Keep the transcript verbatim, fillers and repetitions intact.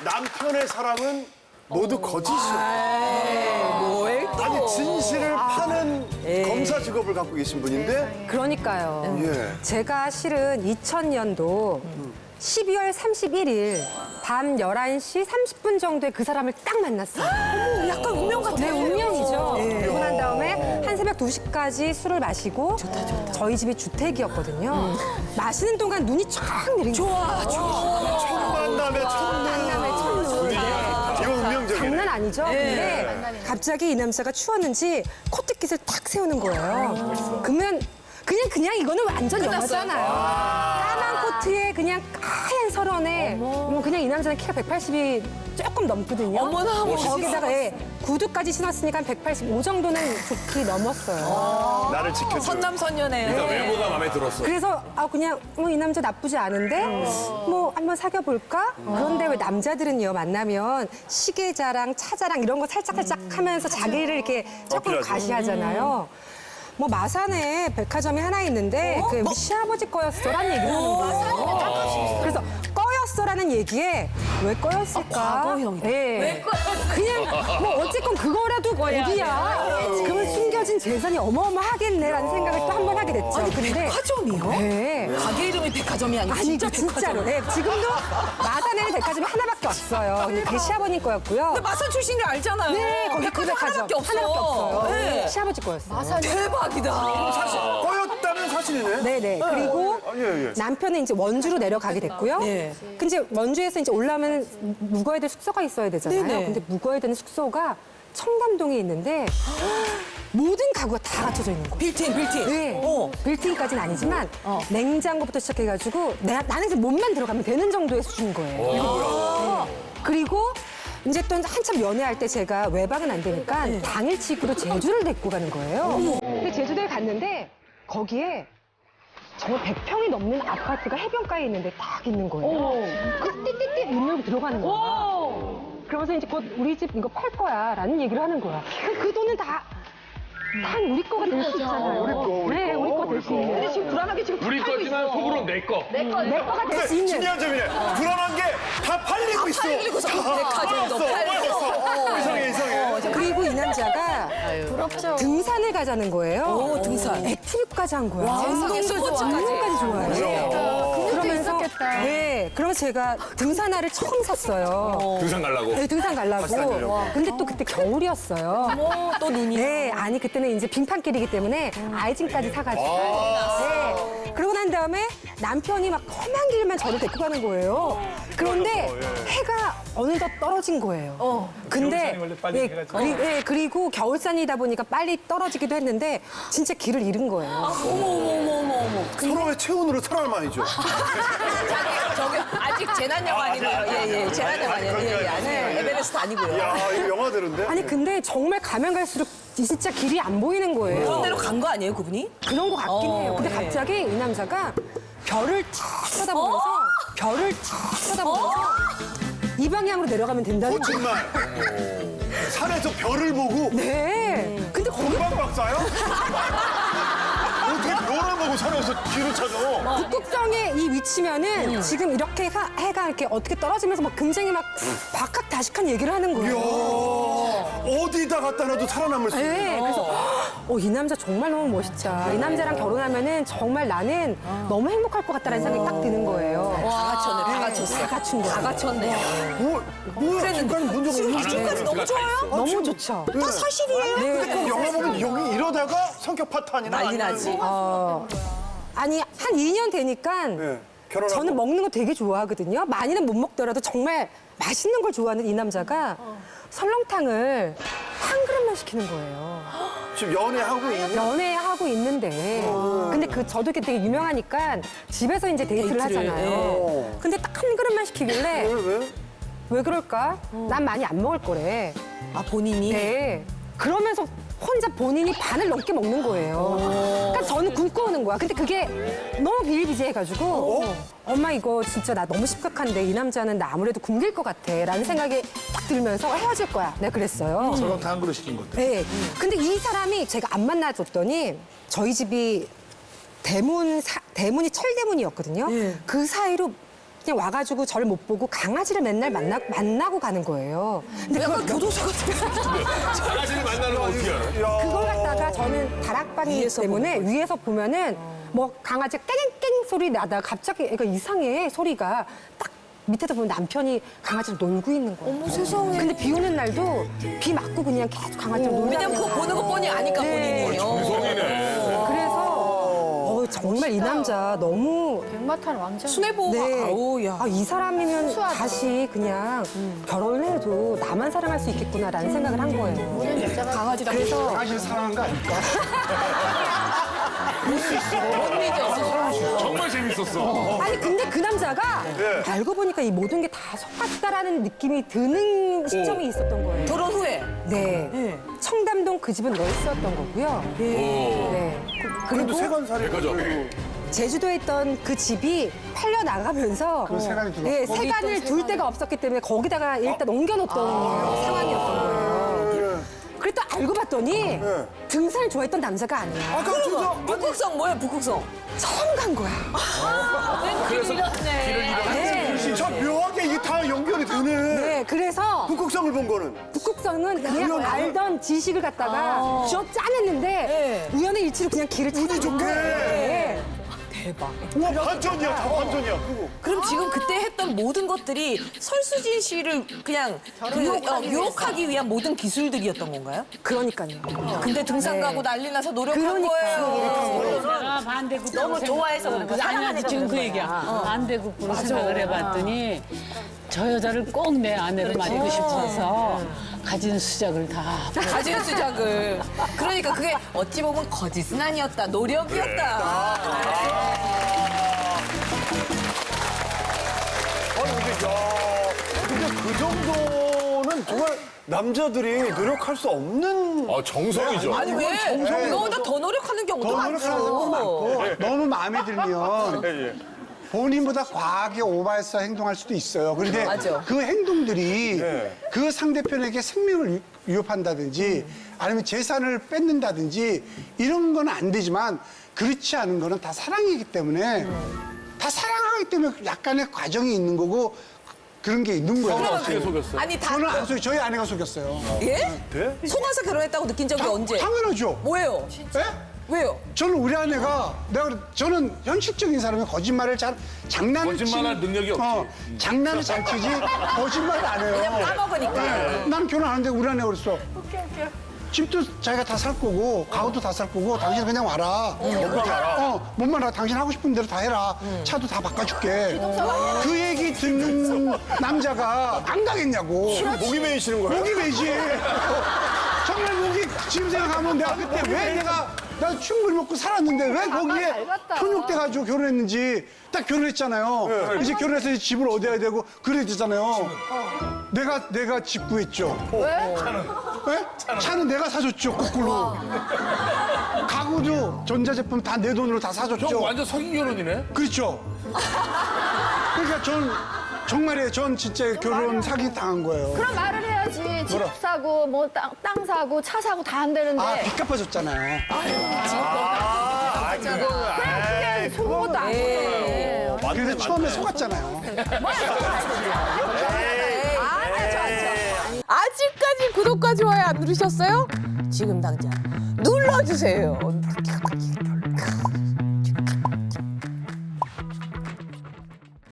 남편의 사랑은 모두 거짓이에요. 뭘 또. 아니 진실을 파는 검사 직업을 갖고 계신 분인데 그러니까요. 예. 제가 실은 이천 년도 십이월 삼십일일 밤 열한 시 삼십 분 정도에 그 사람을 딱 만났어요. 어머, 약간 운명 같아. 네, 운명이죠. 그러고 난 다음에 한 새벽 두 시까지 술을 마시고 저희 집이 주택이었거든요. 마시는 동안 눈이 쫙 내린 거예요. 좋아, 좋아. 첫 만남의 첫눈. 만남의 첫눈. 네. 이거 운명적이네. 장난 아니죠? 근데 갑자기 이 남자가 추웠는지 코트깃을 탁 세우는 거예요. 그러면 그냥 그냥 이거는 완전 영화잖아요. 까만 코트에 그냥 하얀 설원에 뭐 그냥 이 남자는 키가 백팔십이 조금 넘거든요. 어머나, 멋있어. 거기다가 예, 구두까지 신었으니까 한 백팔십오 정도는 좋게 넘었어요. 나를 지켜줘. 선남선녀네요. 일단 외모가 마음에 들었어. 그래서 아 그냥 뭐 이 남자 나쁘지 않은데 뭐 한번 사귀어 볼까? 그런데 왜 남자들은요 만나면 시계 자랑, 차 자랑 이런 거 살짝 살짝 하면서 자기를 이렇게 조금 어필하죠. 과시하잖아요. 뭐 마산에 백화점이 하나 있는데 그 우리 시아버지 거였어라는 얘기를 하는 거예요. 그래서 꺼였어라는 얘기에 왜 꺼였을까? 과거형이다. 왜 그냥 뭐 어쨌건 그거라도 어디야? 그러면 숨겨진 재산이 어마어마하겠네라는 생각을 또 한 번 하게 됐죠. 아니, 근데 백화점이요? 네. 가게 이름이 백화점이 아니고 아니 진짜 그 진짜로. 백화점. 네, 지금도 마산에는 백화점이 하나밖에 없어요. 근데 그게 시아버님 거였고요. 근데 마산 출신을 알잖아요. 네, 거기 그 백화점 백화점 하나밖에 없어. 하나밖에 없어요. 네. 시아버지 거였어요. 대박이다. 사실 꺼였다는 사실이네. 네네. 그리고 아, 예, 예. 남편은 이제 원주로 내려가게 됐고요. 네. 근데 이제 원주에서 이제 올라오면 묵어야 될 숙소가 있어야 되잖아요. 네네. 근데 묵어야 되는 숙소가 청담동에 있는데 모든 가구가 다 갖춰져 있는 거예요. 빌트인, 빌트인. 네. 어. 빌딩까지는 아니지만 냉장고부터 시작해가지고 내가 나는 이제 몸만 들어가면 되는 정도의 수준인 거예요. 네. 그리고 이제 또 한참 연애할 때 제가 외박은 안 되니까 당일치기로 제주를 데리고 가는 거예요. 근데 제주도에 갔는데 거기에 정말 백 평이 넘는 아파트가 해변가에 있는데 딱 있는 거예요. 그 띠띠띠 문 열고 들어가는 거야. 그러면서 이제 곧 우리 집 이거 팔 거야 라는 얘기를 하는 거야. 그 돈은 다 다 우리 거가 될 수 있잖아요. 우리 거, 우리 네, 거, 우리 거 우리 될 수 거. 있는. 근데 지금 불안하게 지금 우리 거지만 속으로 내 거. 내 거가 될 근데 수 있는. 중요한 점이네. 불안한 게 다 팔리고 있어. 팔리고서 백화점도 팔았어, 팔리고. 팔았어. 이상해, 이상해. 그리고 이 남자가 등산을 가자는 거예요. 오, 등산. 액티브까지 한 거야. 운동도 좋아하지. 운동까지 좋아해요. 그러면서 네, 그러면서 제가 등산화를 처음 샀어요. 등산 가려고. 네, 등산 가려고. 가려고. 근데 또 그때 겨울이었어요. 또 눈이. 네, 아니 그때는 이제 빙판길이기 때문에 아이진까지 사가지고. 네. 그러고 난 다음에 남편이 막 험한 길만 저를 데리고 가는 거예요. 그런데 해가 어느덧 떨어진 거예요. 근데 예, 그리, 예, 그리고 겨울산이다 보니까 빨리 떨어지기도 했는데 진짜 길을 잃은 거예요. 어머, 어머, 어머, 어머, 어머. 서로의 체온으로 살아남아야죠. 저기, 아직 재난영 아니고요. 예, 예. 재난영 아니에요. 예, 예. 아니에요. 에베레스트 아니고요. 야, 이거 영화대로인데? 아니 근데 정말 가면 갈수록 진짜 길이 안 보이는 거예요. 그런 데로 간 거 아니에요, 그분이? 그런 거 같긴 어, 해요. 근데 네. 갑자기 이 남자가 별을 탁 쳐다보면서 별을 탁 쳐다보면서 이 방향으로 내려가면 된다는 거예요. 거짓말. 산에서 별을 보고 네. 근데 거기 금방 박사요? 어떻게 별을 보고 산에서 길을 찾아? 북극성의 이 위치면은 지금 이렇게 가- 해가 이렇게 어떻게 떨어지면서 막 굉장히 막 박학다식한 얘기를 하는 거예요. 이야, 어디다 갖다 놔도 살아남을 수 있는. 네, 그래서 어, 이 남자 정말 너무 멋있다. 이 남자랑 결혼하면은 정말 나는 너무 행복할 것 같다라는 생각이 딱 드는 거예요. 다 갖췄네, 다 갖췄어. 다 갖춘 거예요. 다 갖췄네. 뭐, 뭐야, 지금까지 본 적 없는데. 지금까지 너무 좋아요? 너무 좋죠. 다 사실이에요? 근데 꼭 영화 보면 여기 이러다가 성격 파탄이나 난리 아니면 나지. 뭐, 아니 한 이 년 되니까 네, 결혼하고. 저는 먹는 거 되게 좋아하거든요. 많이는 못 먹더라도 정말 맛있는 걸 좋아하는 이 남자가 설렁탕을 한 그릇만 시키는 거예요. 지금 연애하고 있는. 연애하고 있는데 근데 그 저도 이렇게 되게 유명하니까 집에서 이제 데이트를, 데이트를, 하잖아요. 예. 근데 딱 한 그릇만 시키길래 왜, 왜? 왜 그럴까? 난 많이 안 먹을 거래. 아, 본인이? 네. 그러면서 혼자 본인이 반을 넘게 먹는 거예요. 그러니까 저는 굶고 오는 거야. 근데 그게 너무 비일비재해가지고 엄마 이거 진짜 나 너무 심각한데 이 남자는 나 아무래도 굶길 것 같아 라는 생각이 딱 들면서 헤어질 거야. 내가 그랬어요. 설렁탕 한 그릇 시킨 건데. 네. 근데 이 사람이 제가 안 만나줬더니 저희 집이 대문, 사- 대문이 철대문이었거든요. 그 사이로 그냥 와가지고 저를 못 보고 강아지를 맨날 만나, 만나고 가는 거예요. 근데 그걸 교도소 강아지를 만나는 거 어떻게 알아? 그걸 갖다가 저는 다락방이기 때문에 위에서 보면은 뭐 강아지 깽깽 소리 나다가 갑자기 애가 이상해 소리가 딱 밑에서 보면 남편이 강아지를 놀고 있는 거예요. 어머 세상에. 근데 비 오는 날도 비 맞고 그냥 계속 강아지를 놀고 왜냐면 그거 보는 거 뻔히 아니까 네. 본인이. 정성이네. 그래서 어, 정말 이 남자 너무 백마탄 왕자. 순애보호가. 네. 아우 야. 아, 이 사람이면 순수하다. 다시 그냥 결혼을 해도 나만 사랑할 수 있겠구나라는 생각을 한 거예요. 모든 여자가 강아지다. 그래서 강아지를 사랑한 거 아닐까? 못 믿어. 정말 재밌었어. 아니 근데 그 남자가 네. 알고 보니까 이 모든 게 다 속았다라는 느낌이 드는 시점이 있었던 거예요. 결혼 후에. 네. 청담동 그 집은 널스였던 거고요. 네. 그래도 그리고 세관살이 백화점. 제주도에 있던 그 집이 팔려 나가면서 그 세간이 들어왔고. 네, 세간을 둘 데가 없었기 때문에 거기다가 일단 옮겨놓던 상황이었던 거예요. 그랬다 알고 봤더니 등산을 좋아했던 남자가 아니야. 아까 그저 북극성 뭐야 북극성? 처음 간 거야. 그래서 길을 잃어. 네. 저 묘하게 이게 다 연결이 되네. 네, 그래서 북극성을 본 거는 북극성은 그냥 우연히? 알던 지식을 갖다가 쥐어 짜냈는데 우연의 일치로 그냥 길을 찾아 좋게. 네. 우와 반전이야 다 반전이야 그거. 그럼 지금 그때 했던 모든 것들이 설수진 씨를 그냥 유혹, 어, 유혹하기 위한 모든 기술들이었던 건가요? 그러니까요. 근데 등산 네. 가고 난리 나서 노력한 그러니까. 거예요. 내가 반대국으로 너무 좋아해서 그런 거야. 아니 아니 지금 그 얘기야. 반대국으로 생각을 해봤더니 저 여자를 꼭 내 아내로 만들고 싶어서 가진 수작을 다. 가진 수작을. 그러니까 그게 어찌 보면 거짓은 아니었다. 노력이었다. 아니 근데 야 근데 그 정도는 정말 남자들이 노력할 수 없는 아, 정성이죠. 아니 왜? 너보다 더 노력하는 경우도 더 노력하는 사람도 많죠. 많고 너무 마음에 들면 본인보다 과하게 오버해서 행동할 수도 있어요. 그런데 맞아. 그 행동들이 네. 그 상대편에게 생명을 위- 위협한다든지 아니면 재산을 뺏는다든지 이런 건 안 되지만 그렇지 않은 거는 다 사랑이기 때문에 다 사랑하기 때문에 약간의 과정이 있는 거고 그런 게 있는 거예요. 어떻게 속였어? 아니 다 저는 안 속여, 저희 아내가 속였어요. 예? 돼? 속아서 결혼했다고 느낀 적이 언제? 당연하죠. 뭐예요? 예? 왜요? 저는 우리 아내가 내가 그래- 저는 현실적인 사람이 거짓말을 잘 장난을 거짓말할 치는- 능력이 없지. 어, 장난을 잘 치지 거짓말을 안 해요. 그냥 까먹으니까. 네. 난 결혼하는데 우리 아내가 그랬어. 집도 자기가 다 살 거고 가구도 다 살 거고 당신 그냥 와라. 몸만 알아. 어, 몸만 알아. 당신 하고 싶은 대로 다 해라. 차도 다 바꿔줄게. 그 얘기 듣는 남자가 안 가겠냐고. 목이 메이시는 거예요? 목이 메지. 정말 목이 지금 생각하면 내가 그때 왜 내가 나 충분히 먹고 살았는데 왜 거기에 현혹돼가지고 결혼했는지 딱 결혼했잖아요. 이제 결혼해서 이제 집을 얻어야 되고 그래야 되잖아요. 내가 내가 집 구했죠. 왜? 차는? 차는 내가 사줬죠. 거꾸로. 가구도 전자제품 다 내 돈으로 다 형 사줬죠. 완전 사기 결혼이네? 그렇죠. 그러니까 전 정말이에요. 전 진짜 결혼 사기 당한 거예요. 그럼 말을 해야지. 집 사고 뭐 땅 사고 차 사고 다 안 되는데. 아, 빚 갚아줬잖아요. 아 그거 그게 속은 것도 아니에요. 그래서 처음에 속았잖아요. 아직까지 구독과 좋아요 안 누르셨어요? 지금 당장 눌러주세요.